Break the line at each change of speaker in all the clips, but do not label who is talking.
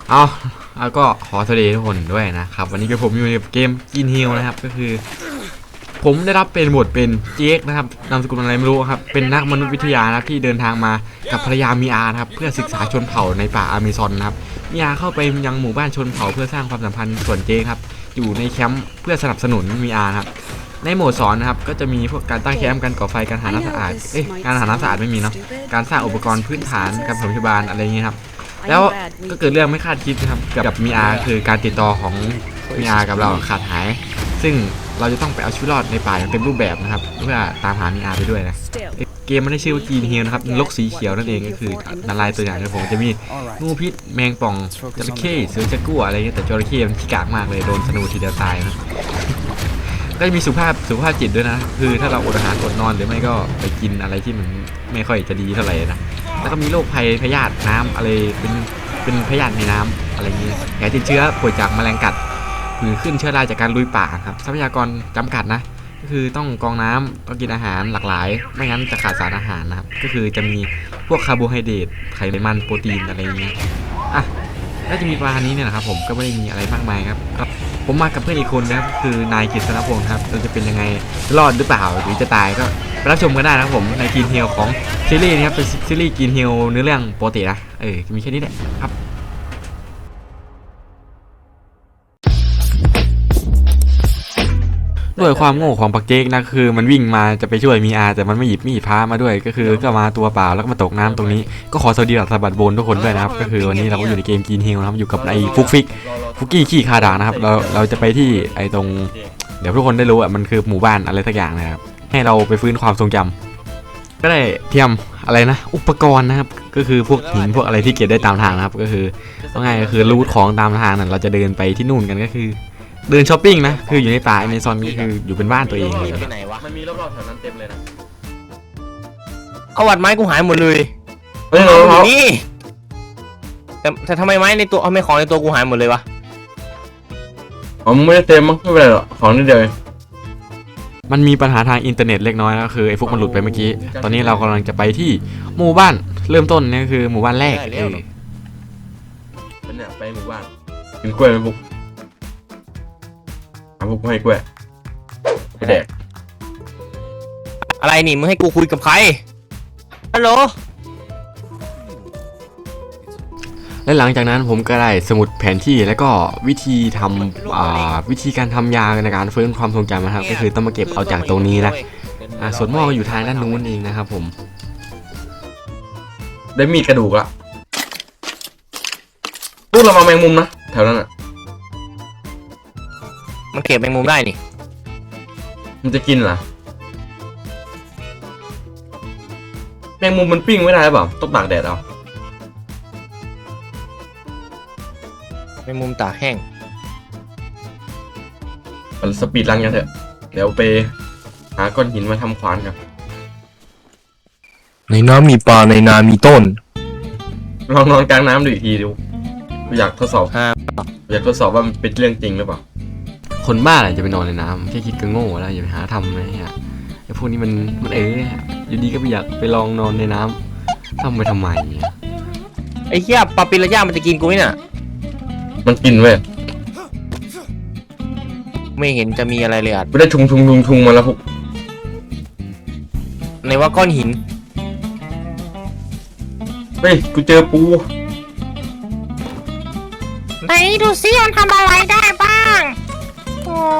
เอาก็ขอสวัสดีทุกคนด้วยนะครับวันนี้ก็ผมอยู่ในเกมกินฮิลนะครับก็คือผมได้รับเป็นบทเป็นเจคนะครับนามสกุลอะไรไม่รู้ครับเป็นนักมนุษยวิทยานะที่เดินทางมากับภรรยามีอาครับเพื่อศึกษาชนเผ่าในป่าอเมซอนนะครับมีอาเข้าไปยังหมู่บ้านชนเผ่าเพื่อสร้างความสัมพันธ์ส่วนเจคครับอยู่ในแคมป์เพื่อสนับสนุนมีอาครับในโหมดสอนนะครับก็จะมีพวกการตั้งแคมป์การก่อไฟการหาน้ำสะอาดการหาน้ำสะอาดไม่มีเนาะการสร้างอุปกรณ์พื้นฐานการปฐมพยาบาลอะไรอย่างเงี้ยครับแล้วก็เกิดเรื่องไม่คาดคิดนะครับกับมีอาคือการติดต่อของมีอากับเราขาดหายซึ่งเราจะต้องไปเอาชีวิตรอดในป่าอย่างเต็มรูปแบบนะครับเพื่อตามหามีอาไปด้วยนะเกมมันได้ชื่อว่ากีนเฮีลนะครับนกสีเขียวนั่นเองก็คือนาลายตัวอย่างของผมจะมีงูพิษแมงป่องจระเข้เสือจักรัวอะไรเงี้ยแต่จระเข้มันขี้กากมากเลยโดนธนูทีเดียวตายนะก็จะมีสุขภาพจิตด้วยนะคือถ้าเราอดอาหารอดนอนหรือไม่ก็ไปกินอะไรที่มันไม่ค่อยจะดีเท่าไหร่นะแล้วก็มีโรคภัยพยาธิน้ำอะไรเป็นพยาธิในน้ำอะไรเงี้ยแผลติดเชื้อป่วยจากแมลงกัดหรือขึ้นเชื้อราจากการลุยป่าครับทรัพยากรจำกัดนะก็คือต้องกรองน้ำต้องกินอาหารหลากหลายไม่งั้นจะขาดสารอาหารนะครับก็คือจะมีพวกคาร์โบไฮเดรตไขมันโปรตีนอะไรเงี้ยอ่ะก็จะมีประมาณนี้เนี่ยนะครับผมก็ไม่ได้มีอะไรมากมายครับผมมากับเพื่อนอีกคนนะครับคือนายกฤษณพงศ์ครับเราจะเป็นยังไงรอดหรือเปล่าหรือจะตายก็ไปรับชมกันได้นะครับผมในกินเฮลของซีรีส์นี้ครับเป็นซีรีส์กินเฮลเนื้อเรื่องปกตินะมีแค่นี้แหละครับด้วยความโง่ของปักเจกนะคือมันวิ่งมาจะไปช่วยมีอาแต่มันไม่หยิบมีดพามาด้วยก็คือก็มาตัวเปล่าแล้วก็มาตกน้ำตรงนี้ก็ขอสวัสดีหลักสะบัดโบนทุกคนด้วยนะครับก็คือวันนี้เราก็อยู่ในเกมกินเฮลนะครับอยู่กับไอ้ฟุกกี้ขี้คาดานะครับเราจะไปที่ไอ้ตรงเดี๋ยวทุกคนได้รู้อ่ะมันคือหมู่บ้านอะไรสักอย่างนะครับให้เราไปฟื้นความทรงจำก็ได้เตรียมอะไรนะอุปกรณ์นะครับก็คือพวกหินพวกอะไรที่เก็บได้ตามทางนะครับก็คือง่ายก็คือรูทของตามทางนั่นเราจะเดินไปที่นู่นกันก็คือเดินช้อปปิ้งนะคืออยู่ในป่าในซอนนี้คืออยู่เป็นบ้านตัวเองเลย
มันมีรอบๆแถวนั้นเต็มเลยนะ
เอาวัดไม้กูหายหมดเลยนี่แต่ทำไมไม้ในตัวไม่ของในตัวกูหายหมดเลยวะ
ผมไม่ได้เต็มมั้งไม่เป็นไรหรอกของนิดเดียว
มันมีปัญหาทางอินเทอร์เน็ตเล็กน้อยก็คือไอ้พวกมันหลุดไปเมื่อกี้ตอนนี้เรากำลังจะไปที่หมู่บ้านเริ่มต้นนี่คือหมู่บ้านแรก
เป็นเนี่ยไปหมู่บ้านกินกล้วยไหมพวกพวกให้กล้วยไปแดก
อะไรนี่มึงให้กูคุยกับใครฮัลโหล
และหลังจากนั้นผมก็ได้สมุดแผนที่แล้วก็วิธีทำวิธีการทำยาในการฟื้นความทรงจำนะครับก็คือต้องมาเก็บเอาจากตรงนี้นะส่วนหม้อก็อยู่ทางด้านนู้นเองนะครับผม
ได้มีกระดูกละพวกเรามาแมงมุมนะแถวนั้นอ่ะ
มันเก็บแมงมุมได้นี่
มันจะกินเหรอแมงมุมมันปิ้งไม่ได้หรือเปล่าต้องตากแดดเอา
แมงมุมตากแห้ง
สปีดรันกันเถอะเดี๋ยวไปหาก้อนหินมาทำขวานกัน
ในน้ำมีปลาในนามีต้น
ลองนอนกลางน้ำดูอีกทีดูอยากทดสอบว่ามันเป็นเรื่องจริงหรือเปล่า
คนบ้าอะไรจะไปนอนในน้ำแค่คิดก็โง่แล้วอย่าไปหาทำนะฮะไอ้พวกนี้มันอยู่ดีก็ไปอยากไปลองนอนในน้ำทำไปทำไม
ไอ้เหี้ยปลาปิรันย่ามันจะกินกูไหมน่ะ
มันกินเว้ย
ไม่เห็นจะมีอะไรเลยอ่ะ
ไม่ได้ทุงมาแล้วพวก
ในว่าก้อนหิน
เฮ้ยกูเจอปู
ไหนดูซิมันทำอะไรได้บ้างโอ้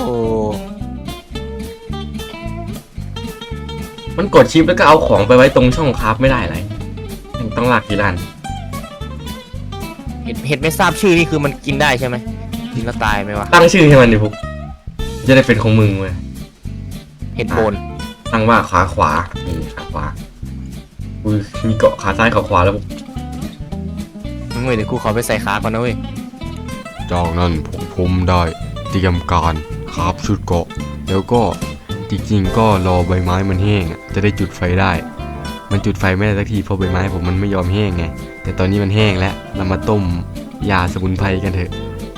มันกดชิปแล้วก็เอาของไปไว้ตรงช่องคราฟไม่ได้เลยต้องลากกี่ล้าน
เห็ดไม่ทราบชื่อนี่คือมันกินได้ใช่ไหมกินแล้วตายไหมวะ
ตั้งชื่อให้มันดิพวกจะได้เป็นของมึงเว้ย
เห็ดโบน
ตั้งว่าขาขวานี่ขาขวามีเกาะขาซ้ายขาขวาแล้วพวก
เว้ยเดี๋ยวกูขอไปใส่ขาก่อนนะเว้ย
จากนั้นผมได้เตรียมการคาบชุดเกาะแล้วก็จริงๆก็รอใบไม้มันแห้งจะได้จุดไฟได้มันจุดไฟไม่ได้สักทีเพราะใบไม้ผมมันไม่ยอมแห้งไงแต่ตอนนี้มันแห้งแล้วเรามาต้มยาสมุนไพรกันเถอะ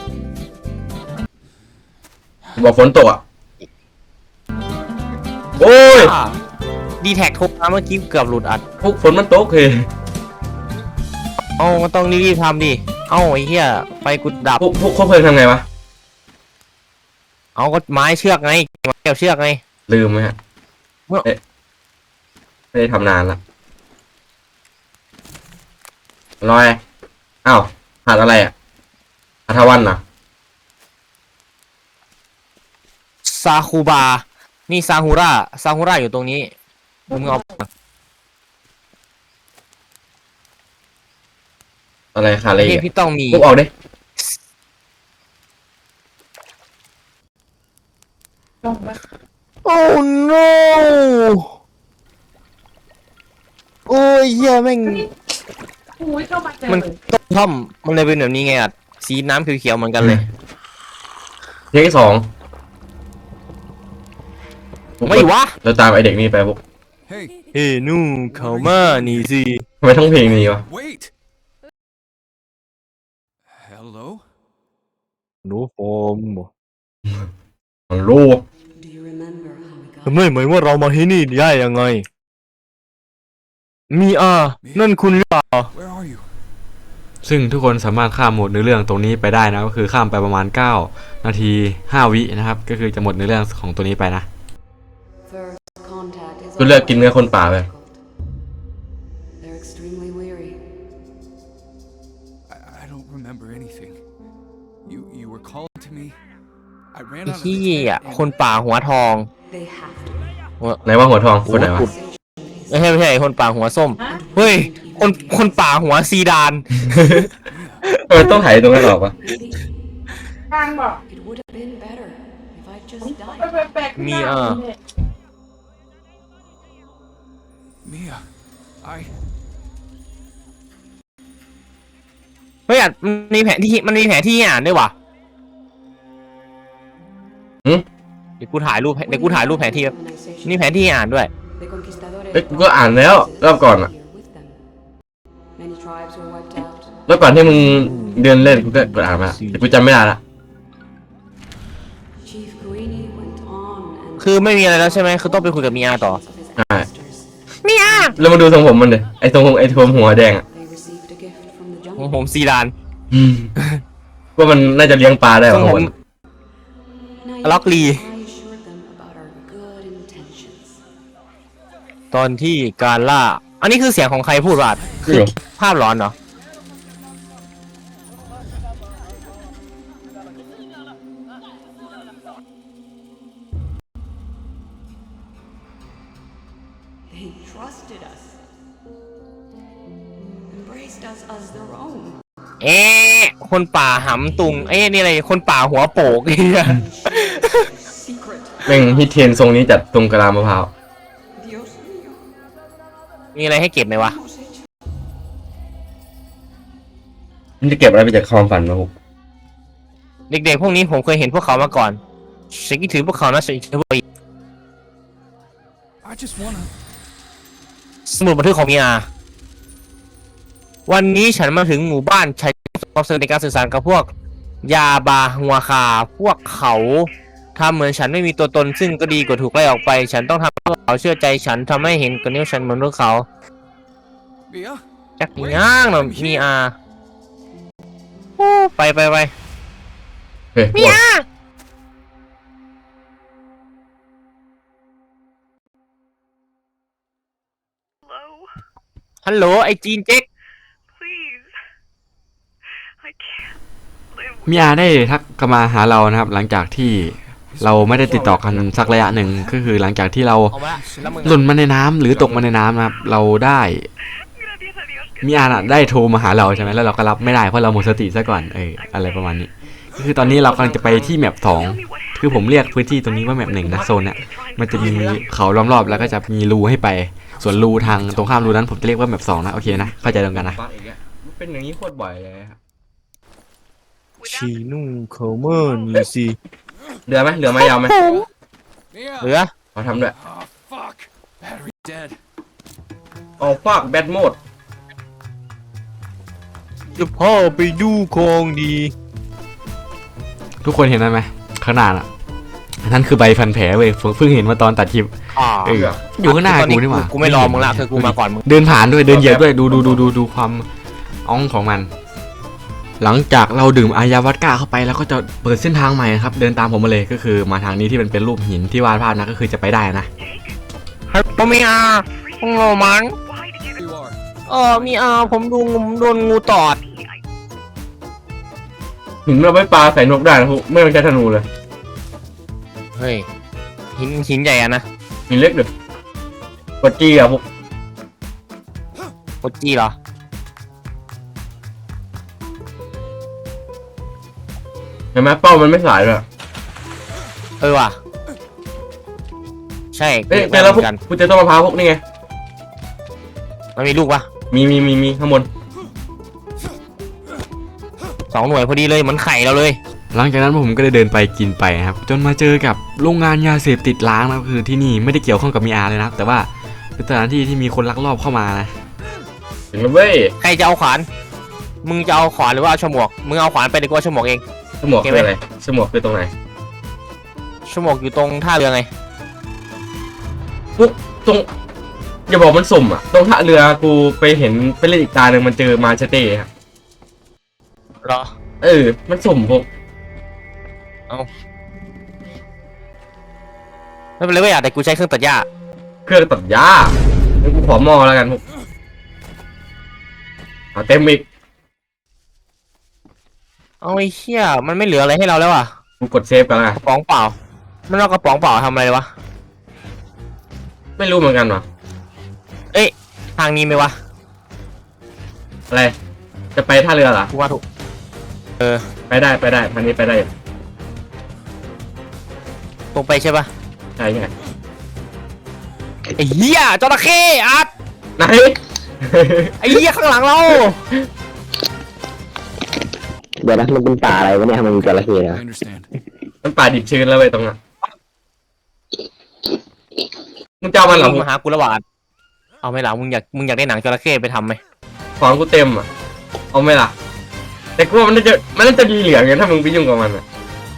บอกฝนตกอ่ะโอ้ย
ดีแท็กโทรมาเมื่อกี้เกือบหลุดอัด
พวกฝนมันตกเลย
อ๋อมันต้องรีบทำดิเอ้าไอ้เหี้ยไฟกูดับ
พวกเพลิงทำไงวะ
เอาก็ไม้เชือกไงไม้เกี่ยวเชือกไง
ลืมไหมฮะ
เมื่อ
ไม่ได้ทำนานละลอยอ้าวขาดอะไรอ่ะอาทวันนะ
ซาคูบานี่ซาฮูราอยู่ตรงนี้มึงเอา
อะไรขาดอะไรอี
ที่
ก
พี่ต้องมี
พวกออกดิ
โอ้ no โอ้ยเหี้ยแม่ง
อุ้ยก็มาเจอ
มันต้มท่อมมันเลยเป็นแบบนี้ไงอ่ะสีน้ำเขียวๆเหมือนกันเลย
เทคที่สอง
ไม่วะ
เราตามไอเด็กนี่ไปพวก
Hey,
เฮ้นู่เขามานี่สิ
ทำไมต้องเพลงนี้วะ
wait! Hello?
หนูโฟม
มันรู้
Do you remember how we got
ทำไมไหมว่าเรามาที่นี่ได้ยังไง มีนั่นคุณหรือเปล่า
Where are you?
ซึ่งทุกคนสามารถข้ามโหมดเนื้อเรื่องตรงนี้ไปได้นะก็คือข้ามไปประมาณ9 นาที 5 วินะครับก็คือจะหมดเนื้อเรื่องของตัวนี้ไปนะ
first contact is
กูเลือกกินเนื้อคนป่าไป
They're extremely weary.
I don't remember anything. You were calling to me. I ran
ไอ้
out of
ที่
the tent
อ่ะ
and-
คนป่าหัวทอง
They have to.
ไหนว่าหัวทองคนไหนวะ
ไม่ใช่คนป่าหัวส้ม เฮ้ย คนป่าหัวซีดาน
ต้องถ่ายตรงนั้นออกวะ
Maybe
ทางบอก
it would have been better if I just
ไป
died.
แปลกๆ
มี
หน้าเนี่ย
Mia, I
เฮ้ยมันมีแผนที่ให้อ่านด้วยวะ
หืม
เดี๋ยวกูถ่ายรูปแผนที่แป๊บนี่แผนที่ให้อ่านด้วย
The conquistadores
เอ้ยกูก็อ่านแล้วรอบก่อนอะ
here with them. Many tribes were wiped out.
แล้วก่อนที่มึงเดินเล่นกูก็อ่านมาแต่กูจำไม่ได้ละ
Chief Guini went on and
คือไม่มีอะไรแล้วใช่ไหมคือต้องไปคุยกับมีอาต่อ
of his ancestors.
แล้วมาดูทรงผมมันเลยไอ้ทรงหัวแดงอ่ะ
They received a gift from the
ของ
jungle.
ผมซีดาน
ว่ามันน่าจะเลี้ยงปลาได้
ทร
ป่ะ
ง
ค
ผม
น
Naively,
ล็อกลี
I assured them about our good intentions.
ตอนที่การล่า อันนี้คือเสียงของใครพูดว่าคือภาพหลอนเหรอ
They trusted us, embraced us as their own.
คนป่าหำตุงนี่อะไรคนป่าหัวโปกเนี่ย
Secret.
แม่งฮิตเทรนทรงนี้จัดตรงกะลามะพร้าว
Dios mío.
มีอะไรให้เก็บไหมวะ
Hemos hecho.
มันจะเก็บอะไรไปจากความฝันมาพวก
เด็กๆพวกนี้ผมเคยเห็นพวกเขามาก่อนฉันคิดถึงพวกเขานะฉันคิดถึงพวกเขาอีก
I just wanna.
สมุดบันทึกของมีอาวันนี้ฉันมาถึงหมู่บ้านใช้ความสำเร็จในการสื่อสารกับพวกยาบาหัวคาพวกเขาทำเหมือนฉันไม่มีตัวตนซึ่งก็ดีกว่าถูกไล่ออกไป ฉันต้องทำให้พวกเขาเชื่อใจฉันทำให้เห็นกับนิ้วฉันเหมือนพวกเขา
Mia?
จักย่างหน่อยมีอาโอ้ไป
เฮ้ย
มีอาฮัลโหลไอจีนเจ๊ก
Please. I can't live
มีอาได้ทักกลับมาหาเรานะครับ หลังจากที่เราไม่ได้ติดต่อกันสักระยะหนึ่งก็คือหลังจากที่เรา
เอามาแล้วมึง
หล่นมาในน้ำหรือตกมาในน้ำนะครับ เราได้
Gracias a Dios que
มีอาน่ะได้โทรมาหาเราใช่ไหมแล้วเราก็รับไม่ได้เพราะเราหมดสติซะก่อนอะไรประมาณนี้ก็คือตอนนี้เรากำลังจะไปที่แมป2คือผมเรียกพื้นที่ตรงนี้ว่าแมป1นะโซนเนี่ยมันจะมีเขาล้อมรอบแล้วก็จะมีรูให้ไปส่วนรูทางตรงข้ามรูนั้นผมจะเรียกว่าแมป2นะโอเคนะเข้าใจตรงกันนะ
บั๊กอีกแล้วมันเป็นอย่างนี้โคตรบ่อยเลยครับ
ชีนุ่งเขาเมอร์นี่สิ
เหลือไหมยาวไหม
Mia!
เหลือ
ขอทำด้วย
Oh, fuck. Battery dead.
ออกฟากแบทโหมด
จะพ่อไปดูของดี
ทุกคนเห็นได้ไหมข้างหน้าน่ะนั่นคือใบพันแผลเว้ยเพิ่งเห็นมาตอนตัดคลิปอยู่ข้างหน้ากูนี่หว่า
กูไม่รอมึงละคือกูมาก่อนมึง
เดินผ่านด้วยเดินเหยียบด้วยดูความอ่องของมันหลังจากเราดื่มอายาวัดก้าเข้าไปแล้วก็จะเปิดเส้นทางใหม่ครับเดินตามผมมาเลยก็คือมาทางนี้ที่มันเป็นรูปหินที่วาดภาพนะก็คือจะไปได้นะ
ผมมีอาโง่มัน
Why did you?
You are.
มีอาผมโดนงูตอด
หินเราไม่ปลาใส่นกได้นะพวกไม่ต้องใช้ธนูเลย
เฮ้ยหินใหญ่อะนะ
หินเล็กเด้อกดจี้อะพวก
โคจี้เหรอ
เห็นไหมเป้ามันไม่สายเลย
ว่ะใช่
เอ้ย
เจ
เจอ
อ
แล้ว
เห
พว
มื
ก
อนกัน
กูเจอต้นมะพร้าวพวกนี่ไง
มันมีลูกปะ
มีข้างบน
2 หน่วยพอดีเลยเหมือนไข่เราเลย
หลังจากนั้นผมก็ได้เดินไปกินไปนะครับจนมาเจอกับโรงงานยาเสพติดล้างนะคือที่นี่ไม่ได้เกี่ยวข้องกับมีอาเลยนะแต่ว่าเป็นสถานที่ที่มีคนลักลอบเข้ามานะ
ถึงแล้วเว้ย
ใครจะเอาขวานมึงจะเอาขวานหรือว่าเอาฉมวกมึงเอาขวานไปดีกว่าฉมวกเอง
สมองคืออะไรสมองคือตรงไหน
ฉมวกอยู่ตรงท่าเรือไง
พวกตรงอย่าบอกมันสุ่มอะตรงท่าเรือกูไปเห็นไปเล่นอีกตาหนึ่งมันเจอมาเชเต้ครับ
เหรอ
มันสุ่มพวก
ไม่เป็นไรไม่อยากแต่กูใช้เครื่องตัดหญ้า
เครื่องตัดหญ้างั้นกูขอหม้อแล้วกันพวกเอาเต็มอีก
เอาไอ้เหี้ยมันไม่เหลืออะไรให้เราแล้วอ่ะ
กูกดเซฟกันแล้วกัน
กระป๋องเปล่ามันเอากระป๋องเปล่าทำอะไรวะ
ไม่รู้เหมือนกันว่ะ
ทางนี้ไหมวะ
อะไรจะไปท่าเรือเหรอ
กูว่าถูก
ไปได้ทางนี้ไปได้
ตรงไปใช่ปะ
ใช่ไง
ไอ้เหี้ยจระเข้อัด
ไหน
ไอ้เหี้ยข้างหลังเรา
เดี๋ยวนะมันเป็นป่าอะไรวะเนี่ยทำไมมีจระเข้
I
นะ
understand.
มันป่าดิบชื้นแล้วเว้ยตรงนั้นมึงจะเอามันเหรอ
มาหากูระหว่างเอาไหมล่ะมึงอยากได้หนังจระเข้ไปทำไหม
ของกูเต็มอ่ะเอาไหมล่ะแต่กูว่ามันน่าจะดีเหลืองไงถ้ามึงไปยุ่งกับมันอ่ะ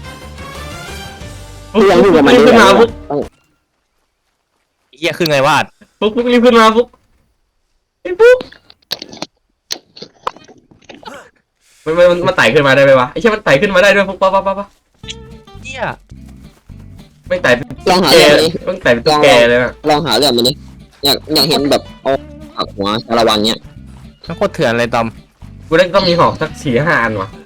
ที่ยังอยู่กับมัน
รีบขึ้นมาปุ๊บ
ไอ้เหี้ยขึ้นไงวาด
ปุ๊บรีบขึ้นมาปุ๊บไอ้ปุ๊บมันไต่ขึ้นมาได้ไหมวะไอ้เชี่ยมันไต่ขึ้นมาได้ด้วยปุ๊บปั๊บ
เหี้ย
ไม่ไต่
ลองหา
แก
เรื่องนี้
ต้องไต่เป็นตุ๊กแกเลยนะ
ลองหาเรื่องมันนี่อยากเห็นแบบเอาหักหัวชาละวันเนี้ย
มันโคตรเถื่อนเลยตอม
กูได้ต้องมีหอกสัก4-5 อันวะ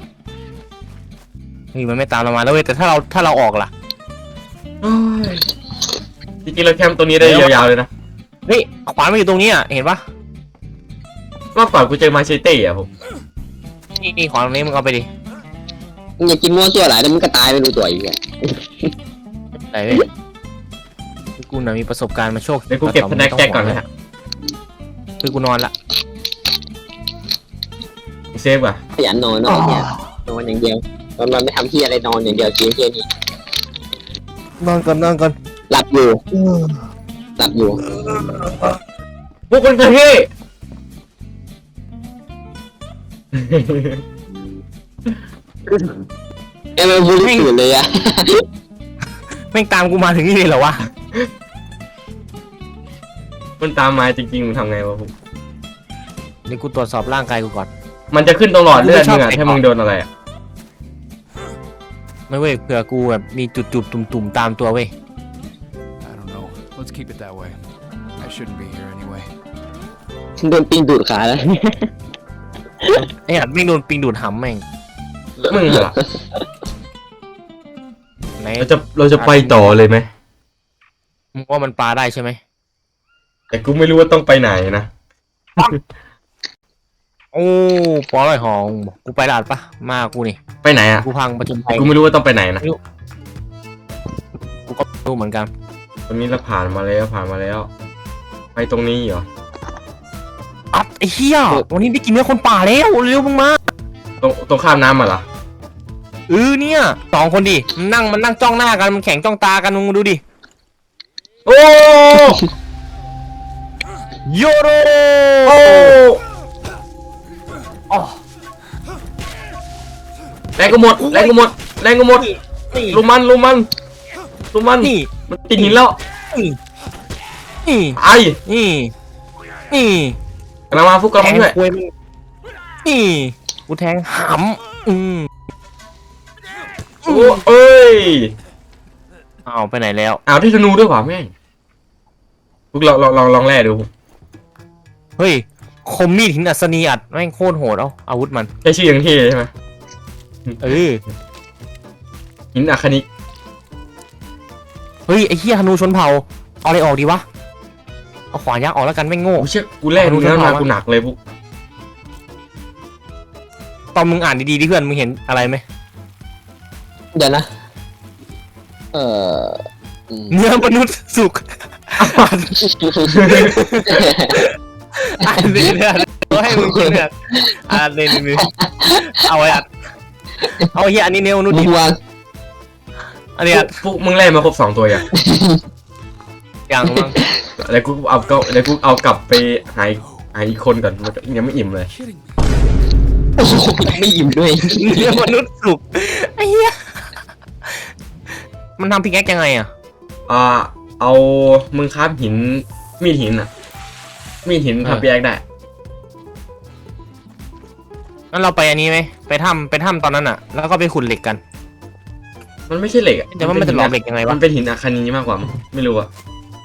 นี่มันไม่ตามเรามาแล้วเว้ยแต่ถ้าเราออกล่ะ
โอ้ยจริงๆเราแคมป์ตัวนี้ได้ยาวๆเลยนะ
เฮ้ยขวานมันอยู่ตรงนี้อ่ะเห็นปะ
เมื่อก่อนกูเจอมาเชเต้อะผม
นี่ขวานตรงนี้มึงเอาไปดิ
มึงอยากกินมั่วซั่วหลายแล้วมึงก็ตายไม่รู้ตัวอีกอ่ะ
ไหนเว้ยกูน่ะมีประสบการณ์มาโชค
เดี๋ยวกูเก็บสแน็คแจ็คก่อนนะฮะ
คือกูนอนละ
กูเซฟอ่ะ
ขยันนอนเนาะเนี่ยนอนอย่างเดียวมันไม่ทำที่อะไรนอนอย่างเดียวกินแค่นี้
นอนก่อน
หลับอยู่
พวกคนกระเฮ้
ไอ้มันบูลลี่ตื่นเลยอ่ะ
แม่งตามกูมาถึงนี่เลยเหรอวะ
มันตามมาจริงๆมึงทำไงวะผม
เดี๋ยวกูตรวจสอบร่างกายกูก่อน
มันจะขึ้นตรงหลอดเลือดมึงอะ
กูไม่ชอบ
ถ้ามึงโดนอะไรอะ
ไม่เว้ยเผื่อกูแบบมีจุดๆตุ่มๆตามตัวเว้ย
I don't know. Let's keep it that way. I shouldn't be here anyway.
โดนปิงดูดขาแล้ว
ไอ้หัดไม่งโดนปิงดูดหำแม่ง
มึงเหรอ
ไหน
เราจะไปต่อเลยไหม
มึงว่ามันปลาได้ใช่ไหม
แต่กูไม่รู้ว่าต้องไปไหนนะ
โอ้ปอร่อยหองกูไปลาดปะมากูนี่
ไปไหนอะ
กูพังประจนภัย
กูไม่รู้ว่าต้องไปไหนนะ
กูก็ไม่รู้เหมือนกัน
ตรงนี้เราผ่านมาแล้ว ไปตรงนี้เหรอ
อัดไอ้เหี้ยวันนี้ได้กินเนื้อคนป่าแล้วเร็วมึงมา
ตรงข้ามน้ำมาเหรอ
เนี่ย2 คนดิมันนั่งจ้องหน้ากันมันแข่งจ้องตากันมึงดูดิ
โอ้
โยโร
โอ้
อ๋อ
แรงก็หมด
นี่
ลุมมัน
นี่
มันติดหินแล้ว
นี่
ไอ้
นี่นี่
กำลังมาฟุกกำลัง
แข่
มางด้วย
คุยมึงนี่กูแทงหำ
โอ้เอ้ย
เอาไปไหนแล้ว
อ้าวได้ธนูด้วยว่ะแม่งพวกลองแร่ดู
เฮ้ยคมมีดหินอัศนีอัดแม่งโคตรโหดเอาอาวุธมัน
ใช้ชื่อยังเท่ใช่ไหม
เออ
หินอะคานิก
เฮ้ยไอ้เหี้ยธนูชนเผ่าเอาอะไรออกดีวะเอาขวานยักษ์ออกแล้วกันไม่งโง่
กูเชื่อกูแร่เนื้อมากูหนักเลยพวก
ตอนมึงอ่านดีๆดิเพื่อนมึงเห็นอะไรไหม
เดี๋ยวนะ
เนื้อมนุษย์สุกอ่านเลยเนี่ยก็ให้มึงกินเนี่ยอ่านเลยนี่เอาไว้อัดเอาเหี้ยอันนี้เนื้อมนุษย์ดิ
วาง
อันนี้อัด
พวกมึงแร่มาครบ2 ตัวอย่าง
อย่างมั้ง
แล้วกูเอากลับไปหาอีกคนก่อนมันยังไม่อิ่มเลย
Kidding me?
โอ้โหไม่อิ่มด้วย
เนื้อมนุษย์สุกไอ้เหี้ยมันทำพิกแอคยังไงอ่ะ
เอามึงคราฟหินมีดหินอ่ะมีดหินทำปีแอคได้
งั้นเราไปอันนี้ไหมไปถ้ำตอนนั้นอ่ะ แล้วก็ไปขุดเหล็กกัน
มันไม่ใช่เหล็กอ่ะ
แต่ว่ามันจะหลอมเหล็กยังไงวะ
มันเป็นหินอะคานีมากกว่ามั้งไม่รู้อ่ะ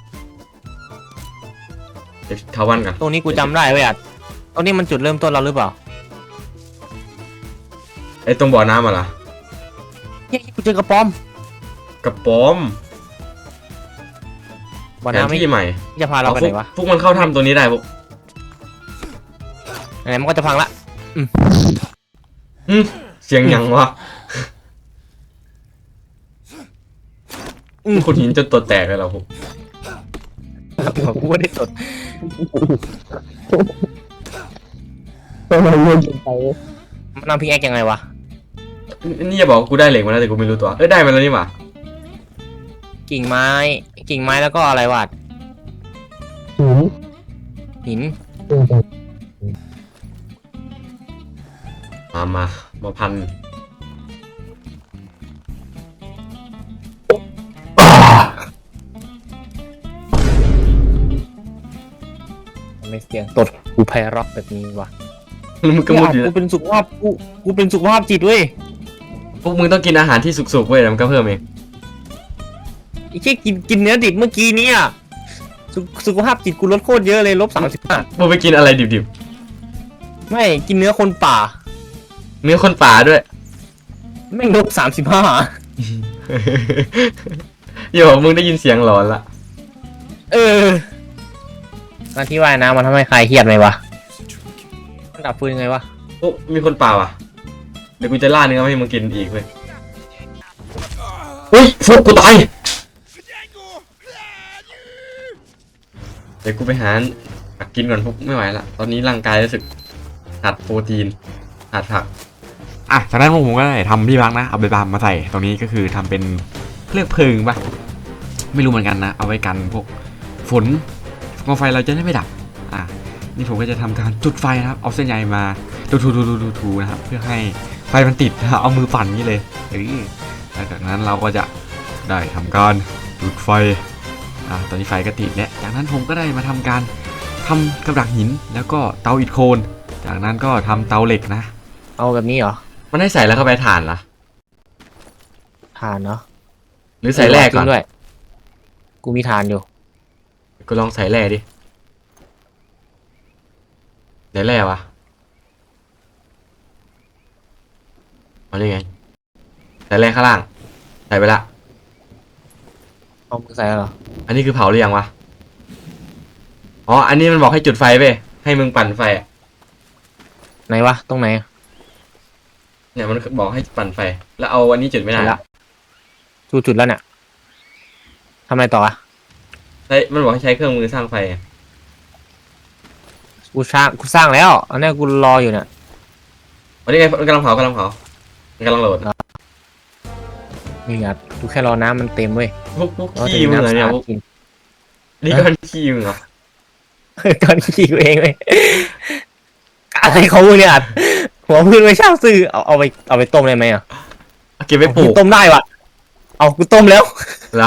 เดี๋ยวทาวันกัน
ตรงนี้กูจำได้เว้ยอัดตรงนี้มันจุดเริ่มต้นเราหรือเปล่า
ไอ้ตรงบ่อน้ำอ่ะล่ะ
เฮ้ยกูเจอกระป๋อม
กระป๋อม
บ่อ
แผน
น้ำไม่
ที่ใหม่
จะพาเราไปไหนวะ
พวกมันเข้าถ้ำตัวนี้ได้พวก
ไหนๆมันก็จะพังละ
เสียงหยังวะขุดหินจนตัวแตกเลยเหราพวก
กูไม่ได้สด
เราเล่นไป
มันทำพิกแอคยังไงวะ
นี่จะบอกว่ากูได้เหล็กมาแล้วแต่กูไม่รู้ตัวได้มาแล้วนี่หว่า
กิ่งไม้แล้วก็อะไรวะหิน
มาพัน
ไม่เสียงตดกูไพเราะแบบนี้วะ
แล้วมึงก็มุดอยู่
กูเป็นสุขภาพกูเป็นสุขภาพจิตเว้ย
พวกมึงต้องกินอาหารที่สุกๆเว้ยแล้วมันก็เพิ่มเอง
ไอ้เชี่ยกินเนื้อดิบเมื่อกี้เนี่ยสุขภาพจิตกูลดโคตรเยอะเลย-35
มึงไปกินอะไรดิบ
ไม่กินเนื้อคนป่า
ๆเนื้อคนป่าด้วย
แม่ง-35
อย่าบอกมึงได้ยินเสียงหลอนละ
การที่ว่ายน้ำมันทำให้ใครเครียดไหมวะมันดับฟืนยังไงวะ
พวกมีคนป่าว่ะเดี๋ยวกูจะล่าเนื้อมาให้มึงกินอีกเว้ยเฮ้ยฟุกกูตายเดี๋ยวกูไปหากินก่อนพวกไม่ไหวละตอนนี้ร่างกายรู้สึกขาดโปรตีนขาดผัก
จากนั้นผมก็ได้ทำที่พักนะเอาใบบามมาใส่ตรงนี้ก็คือทำเป็นเรียกเพลิงปะไม่รู้เหมือนกันนะเอาไว้กันพวกฝนกองไฟเราจะได้ไม่ดับนี่ผมก็จะทำการจุดไฟนะครับเอาเส้นใยมาทูนะครับเพื่อให้ไฟมันติดนะเอามือปั่นนี่เลยหลังจากนั้นเราก็จะได้ทำการจุดไฟตอนนี้ไฟก็ติดแล้วจากนั้นผมก็ได้มาทำการทำกับดักหินแล้วก็เตาอิฐโคนจากนั้นก็ทำเตาเหล็กนะ
เอาแบบนี้เหรอ
มันให้ใส่แล้วเข้าไปถ่านล่ะ
ทานเนาะ
หรือใส่แร่ก่อน
ด้วยกูมีทานอยู่
กูลองใส่แร่ดิไหนแร่วะเอาได้ไงใส่แร่ข้างล่างใส่ไปละ
เอามึงใส่แล้วเหรอ
อันนี้คือเผาหรือยังวะอ๋ออันนี้มันบอกให้จุดไฟไปให้มึงปั่นไฟอะ
ไหนวะตรงไหน
เนี่ยมันบอกให้ปั่นไฟแล้วเอาอันนี้จุดไม่ได้
เสร็จละ จุดแล้วเนี่ยทำอะไรต่ออะ
ใช้มันบอกให้ใช้เครื่องมือสร้างไฟอะ
กูสร้างแล้วอันนี้กูรออยู่เนี่ย
วันนี้ไงมันกำลังเผมันกำลังโหลด
นี่อ่ะกูแค่รอน้ำมันเต็มเว้ย
พวกขี้มึงเหรอเนี่ยพวก
กิน
นี่ก้อนขี้มึงเหรอ
ก้อนขี้กูเองเว้ยอะไรของมึงเนี่ยอัดหัวพื้นไม่ช่างซื่อเอาไปต้มได้ไหมอ่ะ
เอาเก็บไว้ปลูก
ต้มได้วะเอากูต้มแล้ว
แล้ว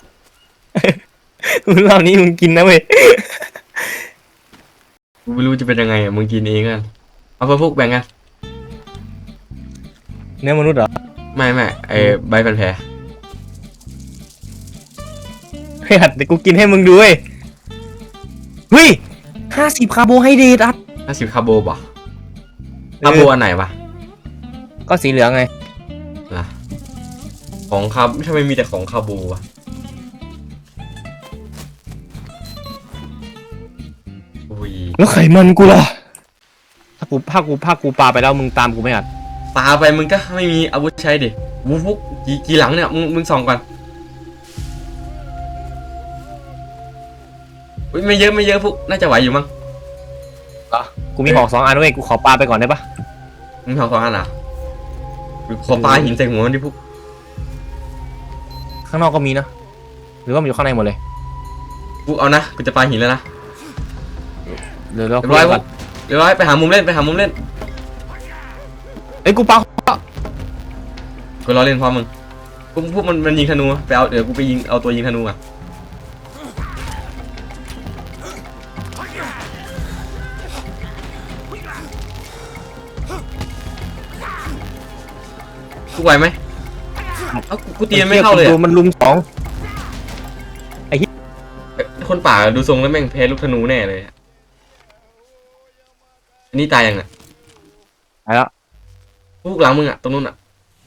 รอบนี้มึงกินนะเว้ย
กูไม่รู้จะเป็นยังไงอะมึงกินเองกันเอาไปพวกแบ่งกัน
เนื้อมนุษย์เหรอ
ไม่ไอ้ใบพันแผล
เฮ้ยเดี๋ยวกูกินให้มึงดูเว้ยเฮ้ย50 คาร์โบไฮเดรตอัด
50 คาร์โบป่ะคาร์โบอันไหนวะ
ก็สีเหลืองไง
ล่ะของคาร์ทำไมมีแต่ของคาร์โบวะอุ้ย
แล้วไขมันกูล่ะถ้ากูปาไปแล้วมึงตามกูไม่อัด
ปาไปมึงก็ไม่มีอาวุธใช้ดิวุฟุกกี่หลังเนี่ยมึงส่องก่อนอุ้ยไม่เยอะพวกน่าจะไหวอยู่มั้ง
กูมีหอก2 อันเว้ยกูขอปาไปก่อนได้ปะ
มึงทำของอันอ่ะขอปาหินใส่หัวมันดิพวก
ข้างนอกก็มีนะหรือว่ามันอยู่ข้างในหมดเลย
พวกเอานะกูจะปาหินแล้วนะ
เดี๋ยวเรา
เรียบร้อยพวกเรียบร้อยไปหามุมเล่น
เอ้ยกูปา
กูรอเล่นพร้อมมึงพวกมันยิงธนูไปเอาเดี๋ยวกูไปยิงเอาตัวยิงธนูอ่ะกูไหวไหมเอากูตีมันไม่เข้าเลย
ดูมันลุม2
คนป่าดูทรงแล้วแม่งแพ้ลูกธนูแน่เลยอันนี้ตายยังอ่ะ
ไปแล้ว
พวกหลังมึงอ่ะตรงนู้นอ่ะ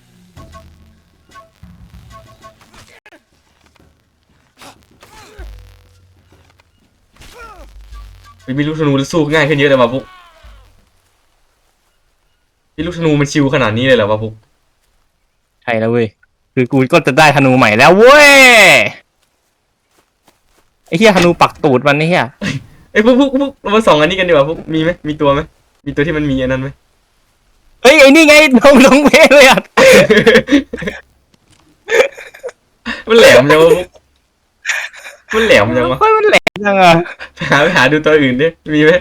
มีลูกธนูแล้วสู้ง่ายขึ้นเยอะเลยว่ะพวกมีลูกธนูมันชิวขนาดนี้เลยเหรอวะพวก
ใช่แล้วเว้ยคือกูก็จะได้ธนูใหม่แล้วเว้ยไอ้เหี้ยธนูปักตูดมันไอ้เหี้ย
ไอ้ยพวกเรามาส่องอันนี้กันดีกว่าพวกมีไหมมีตัวไหมมีตัวที่มันมีอันนั้นไหม
เฮ้ยไอ้นี่ไงลงเพลเลยอ่ะ
มันแหลมจังวะพวกมันแหลมจังวะ
เฮ้ยมันแหลมจังอ่ะ
ไปหาดูตัวอื่นดิมีไหม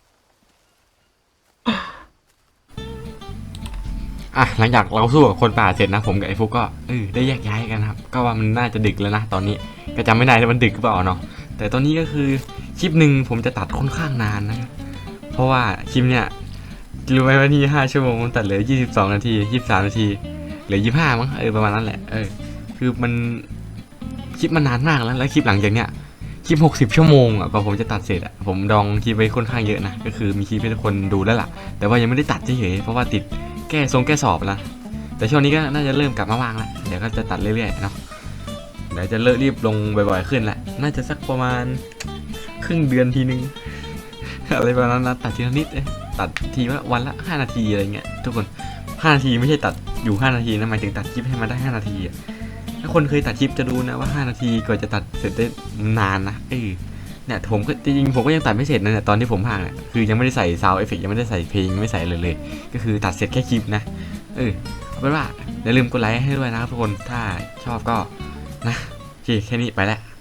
หลังจากเราสู้กับคนป่าเสร็จนะผมกับไอ้ฟุกก็ได้แยกย้ายกันครับก็ว่ามันน่าจะดึกแล้วนะตอนนี้ก็จำไม่ได้ว่ามันดึกหรือเปล่าเนาะแต่ตอนนี้ก็คือคลิปหนึ่งผมจะตัดค่อนข้างนานนะครับเพราะว่าคลิปเนี้ยรู้ไหมว่านี่5 ชั่วโมงผมตัดเหลือ22 นาที23 นาทีเหลือ25มั้งประมาณนั้นแหละคือมันคลิปมันนานมากแล้วคลิปหลังจากเนี้ยคลิป60 ชั่วโมงกว่าผมจะตัดเสร็จผมดองคลิปไว้ค่อนข้างเยอะนะก็คือมีคลิปให้ทุกคนดูแล้วล่ะแต่ว่ายังไม่ได้ตัดเฉยๆเพราะว่าติดแก้สอบแล้วแต่ช่วงนี้ก็น่าจะเริ่มกลับมาว่างแล้วเดี๋ยวก็จะตัดเรื่อยๆเนาะเดี๋ยวจะเริ่มรีบลงบ่อยๆขึ้นแหละน่าจะสักประมาณครึ่งเดือนทีนึง อะไรประมาณนั้นนะตัดทีละนิดตัดทีว่าวันละ5 นาทีอะไรเงี้ยทุกคน5 นาทีไม่ใช่ตัดอยู่5 นาทีนะหมายถึงตัดคลิปให้มันได้5 นาทีถ้าคนเคยตัดคลิปจะดูนะว่า5 นาทีกว่าจะตัดเสร็จได้นานนะเนี่ยผมก็จริงๆผมก็ยังตัดไม่เสร็จนะเนี่ยตอนที่ผมพากเนี่ยคือยังไม่ได้ใส่ซาวด์เอฟเฟกต์ยังไม่ได้ใส่เพลงไม่ใส่เลยก็คือตัดเสร็จแค่คลิปนะเอาเป็นว่าอย่าลืมกดไลค์ให้ด้วยนะครับทุกคนถ้าชอบก็นะโอเคแค่นี้ไปแล้ว